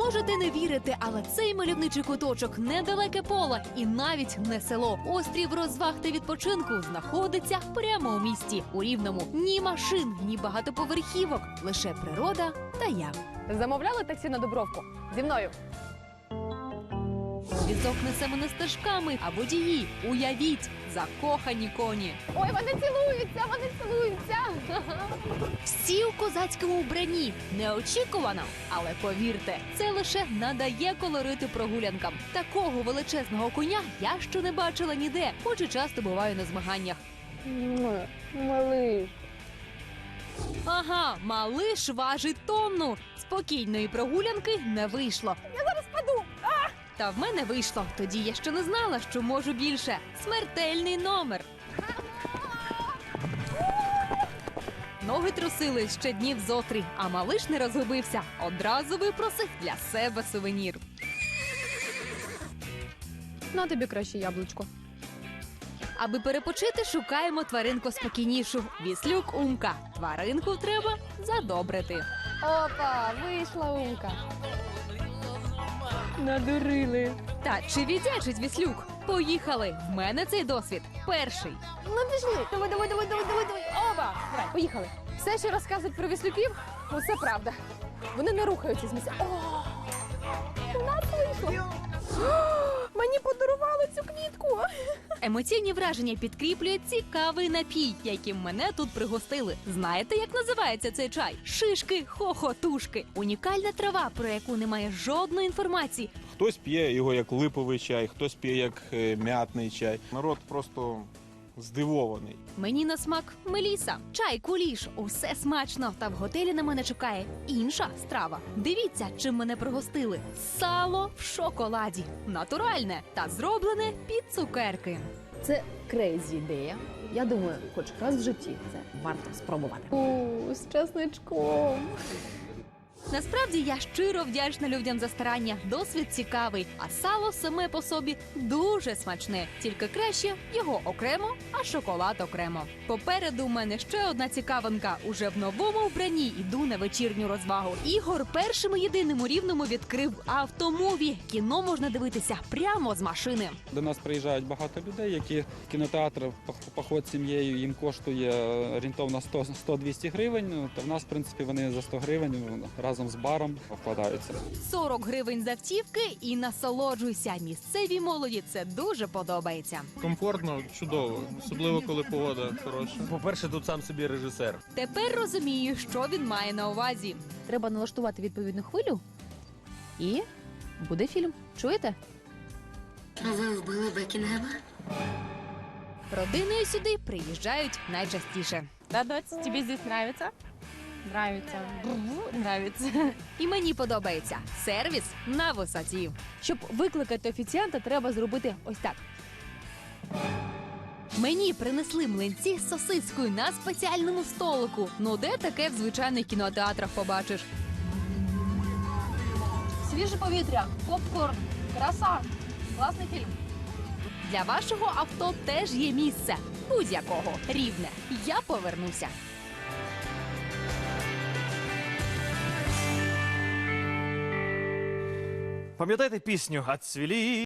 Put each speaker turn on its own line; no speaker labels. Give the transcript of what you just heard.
Можете не вірити, але цей мальовничий куточок недалеке поле і навіть не село. Острів розваг та відпочинку знаходиться прямо у місті. У Рівному ні машин, ні багатоповерхівок, лише природа та я.
Замовляли таксі на Дубровку? Зі мною.
Візок несе мене стежками, а водії, уявіть, закохані коні.
Ой, вони цілуються, вони цілуються.
Всі у козацькому вбранні. Неочікувано, але повірте, це лише надає колориту прогулянкам. Такого величезного коня я ще не бачила ніде, хоч і часто буваю на змаганнях.
Малий.
Ага, малиш важить тонну. Спокійної прогулянки не вийшло.
Я зараз паду.
Та в мене вийшло. Тоді я ще не знала, що можу більше. Смертельний номер. Ноги трусили ще днів зо 3, а малиш не розгубився. Одразу випросив для себе сувенір.
На тобі краще яблучко.
Аби перепочити, шукаємо тваринку спокійнішу. Віслюк Умка. Тваринку треба задобрити.
Опа, вийшла Умка. Надурили.
Та чи віддячить Віслюк? Поїхали! В мене цей досвід перший.
Ну пішли. Давай. Опа. Давай, поїхали. Все, що розказують про віслюків, усе правда. Вони не рухаються з місця. О, у нас вийшло. О, мені подарували цю квітку.
Емоційні враження підкріплює цікавий напій, яким мене тут пригостили. Знаєте, як називається цей чай? Шишки хохотушки. Унікальна трава, про яку немає жодної інформації.
Хтось п'є його як липовий чай, хтось п'є як м'ятний чай. Народ просто здивований.
Мені на смак меліса, чай, куліш, усе смачно. Та в готелі на мене чекає інша страва. Дивіться, чим мене пригостили. Сало в шоколаді. Натуральне та зроблене під цукерки.
Це крейзі ідея. Я думаю, хоч раз в житті це варто спробувати.
З чесничком.
Насправді я щиро вдячна людям за старання. Досвід цікавий, а сало саме по собі дуже смачне. Тільки краще його окремо, а шоколад окремо. Попереду у мене ще одна цікавинка. Уже в новому вбранні йду на вечірню розвагу. Ігор першим і єдиним у Рівному відкрив автомуві. Кіно можна дивитися прямо з машини.
До нас приїжджають багато людей, які кінотеатр, поход з сім'єю їм коштує орієнтовно 100-200 гривень. То в нас, в принципі, вони за 100 гривень разом з баром вкладаються.
40 гривень з автівки і насолоджуйся. Місцевій молоді це дуже подобається.
Комфортно, чудово, особливо коли погода хороша.
По-перше, тут сам собі режисер.
Тепер розумію, що він має на увазі.
Треба налаштувати відповідну хвилю, і буде фільм. Чуєте?
Ви вбили Бекінгема?
Родиною сюди приїжджають найчастіше.
Да, доць, тобі здесь нравится? Нравится. Нравится.
І мені подобається. Сервіс на висоті.
Щоб викликати офіціанта, треба зробити ось так.
Мені принесли млинці з сосискою на спеціальному столику. Ну де таке в звичайних кінотеатрах побачиш?
Свіже повітря, попкорн, краса. Класний фільм.
Для вашого авто теж є місце. Будь-якого. Рівне. Я повернуся.
Пам'ятаєте пісню «Отцвіли